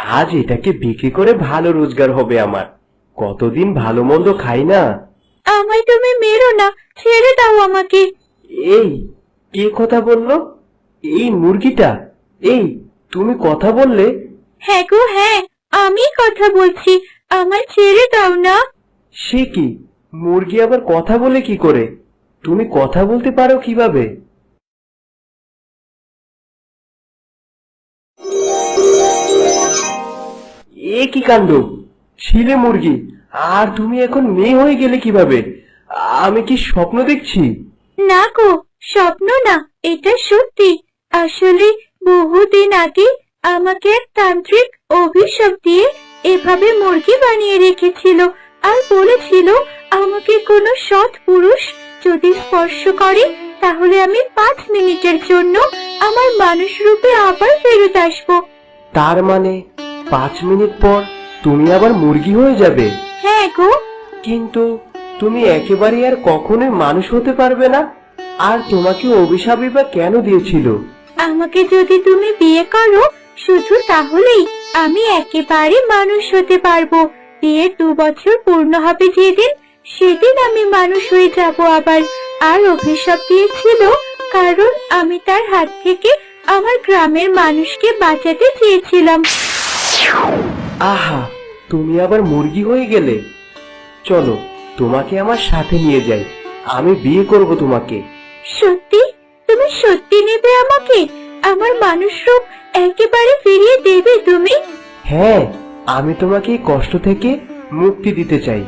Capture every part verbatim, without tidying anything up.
আজ এটাকে বিক্রি করে ভালো রোজগার হবে আমার। কতদিন ভালো মন্দ খাই না। আমায় তুমি মেরো না, ছেড়ে দাও আমাকে। এই কে কথা বললো? এই মুরগিটা? এই তুমি কথা বললে? হ্যাঁ গো হ্যাঁ, আমি কথা বলছি, আমায় ছেড়ে দাও না। সে কি, মুরগি আবার কথা বলে কি করে? তুমি কথা বলতে পারো কিভাবে? এ কি কাণ্ড! ছিলে মুরগি, আর তুমি এখন মেয়ে হয়ে গেলে কিভাবে? আমি কি স্বপ্ন দেখছি? না গো, স্বপ্ন না, এটা সত্যি। আসলে বহুদিন আগে আমাকে এক তান্ত্রিক অভিশাপ দিয়ে এভাবে মুরগি বানিয়ে রেখেছিল, আর বলেছিল আমাকে কোনো সৎ পুরুষ যদি স্পর্শ করে তাহলে আমি পাঁচ মিনিটের জন্য আমার মানুষ রূপে আবার ফেরত আসবো। তার মানে পাঁচ মিনিট পর তুমি আবার মুরগি হয়ে যাবে? হ্যাঁ গো। কিন্তু তুমি একেবারে আর কখনোই মানুষ হতে পারবে না। আর তোমাকে অভিশাপই বা কেন দিয়েছিল? আমাকে যদি তুমি বিয়ে করো শুধু তাহলেই আমি একেবারে মানুষ হতে পারবো। বিয়ের দু বছর পূর্ণ হবে যেদিন, সেদিন আমি মানুষ হয়ে যাব আবার। আর অভিশাপ দিয়েছিল কারণ আমি তার হাত থেকে আমার গ্রামের মানুষকে বাঁচাতে চেয়েছিলাম। আহা, তুমি আবার মুরগি হয়ে গেলে। চলো তোমাকে আমার সাথে নিয়ে যাই, আমি বিয়ে করব তোমাকে। সত্যি? তুমি সত্যি নেবে আমাকে? আমার মানুষ রূপ একেবারে ফিরিয়ে দেবে তুমি? হ্যাঁ, আমি তোমাকে এই কষ্ট থেকে মুক্তি দিতে চাই।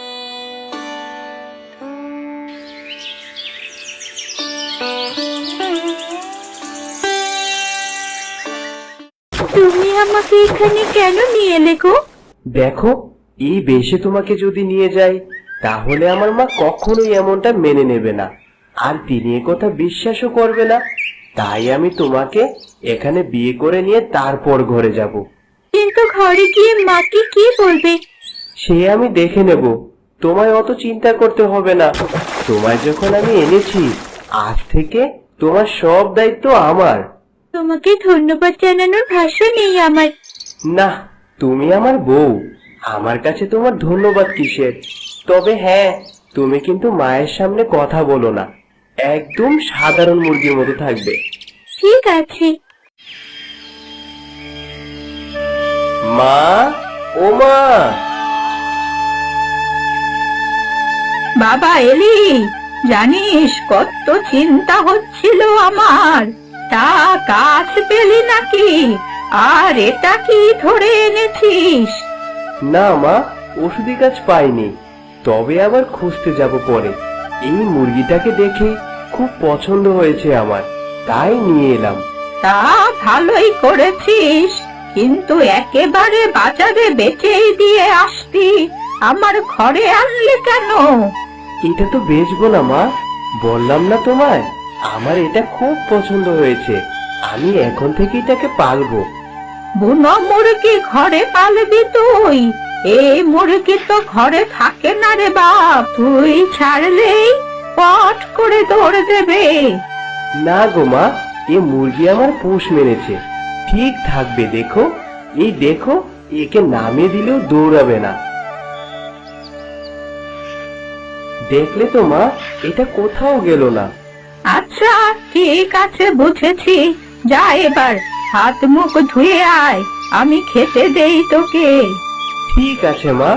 তুমি আমাকে এখানে কেন নিয়ে এলে গো? দেখো, এই বেশে তোমাকে যদি নিয়ে যাই তাহলে আমার মা কখনোই এমনটা মেনে নেবে না, আর তিনি এ কথা বিশ্বাসও করবে না। তাই আমি তোমাকে এখানে বিয়ে করে নিয়ে তারপর ঘরে যাব। কিন্তু ঘরে গিয়ে মাকে কি বলবে? সে আমি দেখে নেব, তোমায় অত চিন্তা করতে হবে না। তোমায় যখন আমি এনেছি, আজ থেকে তোমার সব দায়িত্ব আমার। তোমাকে ধন্যবাদ জানানোর ভাষা নেই আমার। না, তুমি আমার বউ, আমার কাছে তোমার ধন্যবাদ কিসের? তবে হ্যাঁ, তুমি কিন্তু মায়ের সামনে কথা বলো না, একদম সাধারণ মুরগির মতো থাকবে। ঠিক আছে। মা, ও মা! বাবা এলি? জানিস কত চিন্তা হচ্ছিল আমার, তা গাছ পেলি নাকি? আর এটা কি ধরে এনেছিস? না মা, ওষুধি গাছ পাইনি, তবে আবার খুঁজতে যাব পরে। এই মুরগিটাকে দেখে খুব পছন্দ হয়েছে আমার, তাই নিয়ে এলাম। তা ভালোই করেছিস, কিন্তু একেবারে বাজারে বেচেই দিয়ে আসতি, আমার ঘরে আনলে কেন? এটা তো বেচবো না মা, বললাম না তোমায়, আমার এটা খুব পছন্দ হয়েছে, আমি এখন থেকে এটাকে পালবো। বুনো মুরগি ঘরে পালবি তুই? এই মুরগি তো ঘরে থাকে না রে বাপ, তুই ছাড়লেই পট করে দৌড়ে দেবে। না গো মা, এ মুরগি আমার পোষ মেরেছে, ঠিক থাকবে। দেখো, এই দেখো, একে নামিয়ে দিলেও দৌড়াবে না। দেখলে তো মা, এটা কোথাও গেল না। আচ্ছা ঠিক আছে, বুঝেছি। যা এবার হাত মুখ ধুয়ে আয়, আমি খেতে দেই তোকে। ঠিক আছে মা।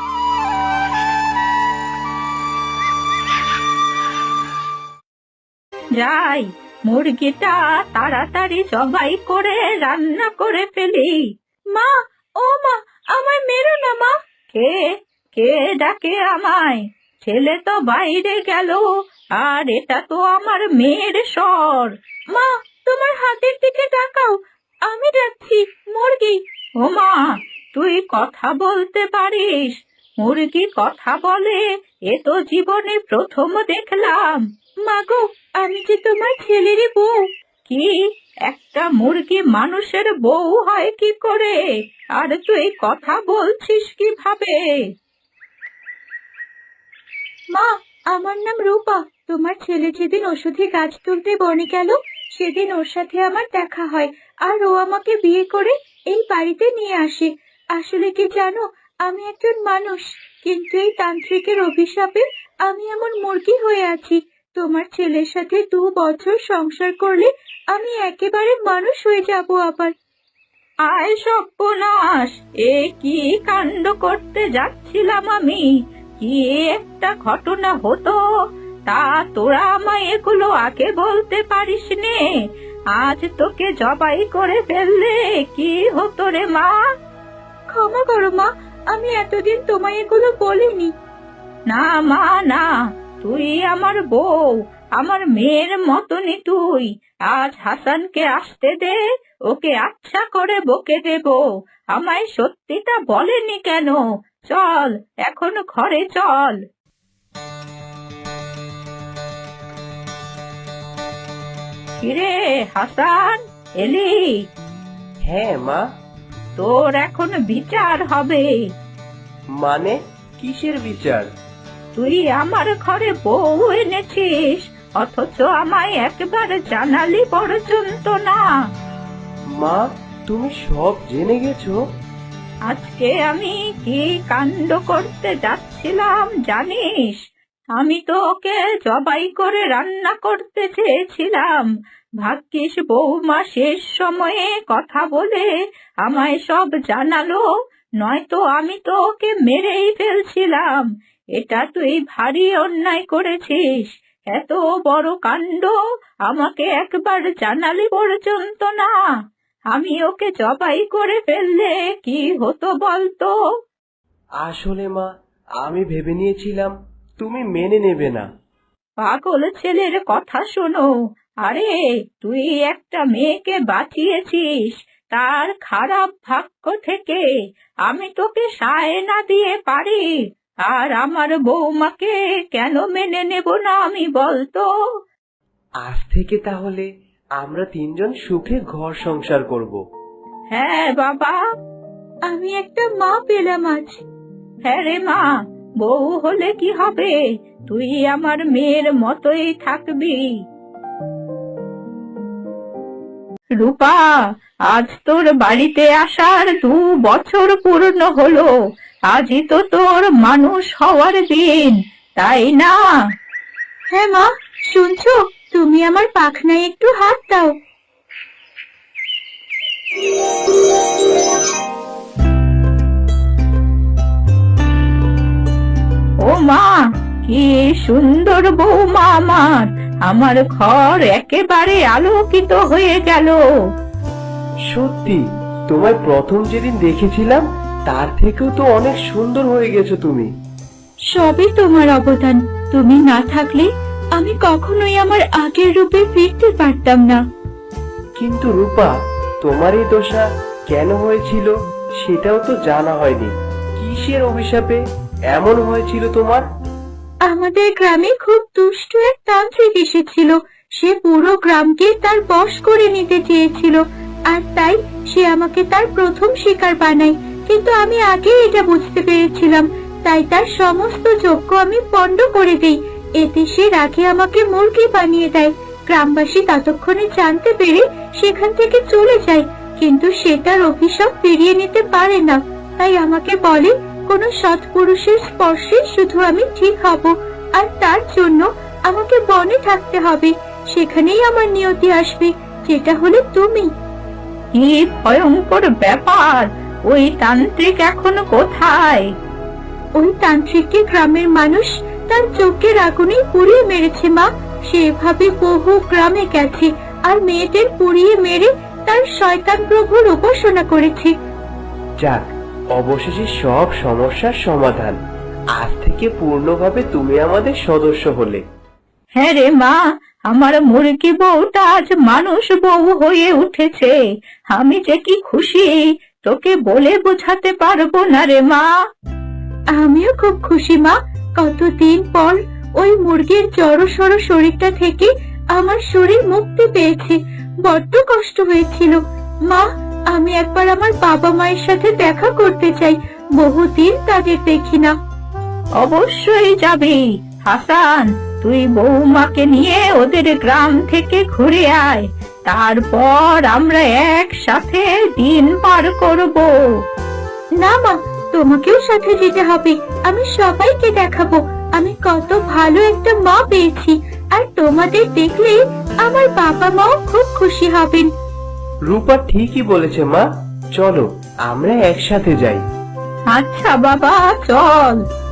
যাই, মুরগিটা তাড়াতাড়ি জবাই করে রান্না করে ফেলি। মা, ও মা, আমায় মেরো না মা। কে কে ডাকে আমায়? ছেলে তো বাইরে গেল, আর এটা তো আমার মেয়ের স্বর। মা, তোমার হাতের দিকে তাকাও, আমি যাচ্ছি। মুরগি। ও মা, তুই কথা বলতে পারিস? মুরগি কথা বলে, এ তো জীবনে প্রথম দেখলাম। মাগো, আমি যে তোমার ছেলেরই বউ। কি? একটা মুরগি মানুষের বউ হয় কি করে? আর তুই কথা বলছিস কিভাবে? মা, আমার নাম রূপা। তোমার ছেলে যেদিন ওষুধি গাছ তুলতে বনে গেল, সেদিন ওর সাথে আমার দেখা হয়, আর ও আমাকে বিয়ে করে এই বাড়িতে নিয়ে আসে। আসলে কি জানো, আমি একজন মানুষ, কিন্তু এই তান্ত্রিকের অভিশাপে আমি এমন মুরগি হয়ে আছি। তোমার ছেলের সাথে দু বছর সংসার করলে আমি একেবারে মানুষ হয়ে যাব আবার। আয় সর্বনাশ, এ কি কাণ্ড করতে যাচ্ছিলাম আমি! কি একটা ঘটনা হতো, তা তোরা আমায় এগুলো আগে বলতে পারিস নে। আজ তোকে জবাই করে ফেললে কি হতো রে মা? ক্ষমা করো মা, আমি এতদিন তোমায় এগুলো বলিনি। না মা না, তুই আমার বউ, আমার মেয়ের মতনই তুই। আজ হাসানকে আসতে দে, ওকে আচ্ছা করে বকে দেব। আমায় সত্যিটা বলেনি কেন? চল এখন ঘরে চল। কিরে হাসান, এলি? হ্যাঁ মা। তোর এখন বিচার হবে। মানে কিসের বিচার? তুই আমার ঘরে বউ এনেছিস, অথচ আমায় একবার জানালি পর্যন্ত না। মা, তুমি সব জেনে গেছো? আজকে আমি কি কাণ্ড করতে যাচ্ছিলাম জানিস? আমি তো ওকে জবাই করে রান্না করতে চেয়েছিলাম। ভাগ্যিস বৌমা শেষ সময়ে কথা বলে আমায় সব জানালো, নয়তো আমি তো ওকে মেরেই ফেলছিলাম। এটা তুই ভারী অন্যায় করেছিস। এত বড় কাণ্ড আমাকে একবার জানালি পর্যন্ত না। আমি ওকে জবাই করে ফেললে কি হতো বলতো? আসলে মা, আমি ভেবে নিয়েছিলাম তুমি মেনে নেবে না। পাগল ছেলের কথা শোনো। আরে তুই একটা মেয়েকে বাঁচিয়েছিস তার খারাপ ভাগ্য থেকে। আমি তোকে সায় না দিয়ে পারি, আর আমার বৌমাকে কেন মেনে নেব না আমি বলতো? আজ থেকে তাহলে আমরা তিনজন সুখে ঘর সংসার করব। হ্যাঁ বাবা, আমি একটা মা পেলাম আজ। হ্যাঁ রে মা, বউ হলে কি হবে, তুই আমার মেয়ের মতোই থাকবি। রূপা, আজ তোর বাড়িতে আসার দু বছর পূর্ণ হলো। আজই তো তোর মানুষ হওয়ার দিন, তাই না? হ্যাঁ মা, শুনছো? তুমি আমার পাখনায় একটু হাত দাও। ও মা, কি সুন্দর বৌমা আমার! আমার ঘর একেবারে আলোকিত হয়ে গেল। সত্যি, তোমায় প্রথম যেদিন দেখেছিলাম তার থেকেও তো অনেক সুন্দর হয়ে গেছো তুমি। সবই তোমার অবদান। তুমি না থাকলে আমি কখনোই আমার আগের রূপে ফিরতে পারতাম না। কিন্তু রূপা, তোমার এই দশা কেন হয়েছিল সেটাও তো জানা হয়নি। কিসের অভিশাপে এমন হয়েছিল তোমার? আমাদের গ্রামে খুব দুষ্ট এক তান্ত্রিক এসেছিল। সে পুরো গ্রামকে তার বশ করে নিতে চেয়েছিল, আর তাই সে আমাকে তার প্রথম শিকার বানায়। কিন্তু আমি আগে এটা বুঝতে পেরেছিলাম, তাই তার সমস্ত যজ্ঞ আমি পণ্ড করে দেই। এতে সে রাগে আমাকে মুরগি বানিয়ে দেয়। গ্রামবাসী ততক্ষণে জানতে পেরে সেখান থেকে চলে যায়, কিন্তু সে তার অভিশাপ ফিরিয়ে নিতে পারে না। তাই আমাকে বলে কোনো সৎ পুরুষের স্পর্শে শুধু আমি ঠিক হব, আর তার জন্য আমাকে বনে থাকতে হবে। সেখানেই আমার নিয়তি আসবে, যেটা হলো তুমি। কি ভয়ঙ্কর ব্যাপার! ওই তান্ত্রিক এখনো কোথায়? ওই তান্ত্রিককে গ্রামের মানুষ তার চোখের আগুনে পুড়িয়ে মেরেছে মা। সে এভাবে বহু গ্রামে গেছে আর মেয়েদের পুড়িয়ে মেরে তার শয়তান প্রভুর উপাসনা করেছে। যাক, অবশেষে সব সমস্যার সমাধান। আজ থেকে পূর্ণভাবে তুমি আমাদের সদস্য হলে। হ্যাঁ রে মা, আমার মুরগি বউটা আজ মানুষ বউ হয়ে উঠেছে। আমি যে কি খুশি তোকে বলে বোঝাতে পারবো না রে মা। আমিও খুব খুশি মা। কতদিন পর ওই মুরগির জড়সড় শরীরটা থেকে আমার শরীর মুক্তি পেয়েছে। বড্ড কষ্ট হয়েছিল মা। আমি একবার আমার বাবা মায়ের সাথে দেখা করতে চাই, বহুদিন তাদের দেখি না। অবশ্যই যাবি হাসান, তুই বৌমাকে নিয়ে ওদের গ্রাম থেকে ঘুরে আয়। তারপর আমরা একসাথে দিন পার করব। না মা, তোমাকেও সাথে যেতে হবে। আমি সবাইকে দেখাবো আমি কত ভালো একটা মা পেয়েছি, আর তোমাদের দেখলে আমার বাবা মাও খুব খুশি হবেন। রূপা ঠিকই বলেছে মা, চলো আমরা একসাথে যাই। আচ্ছা বাবা, চল।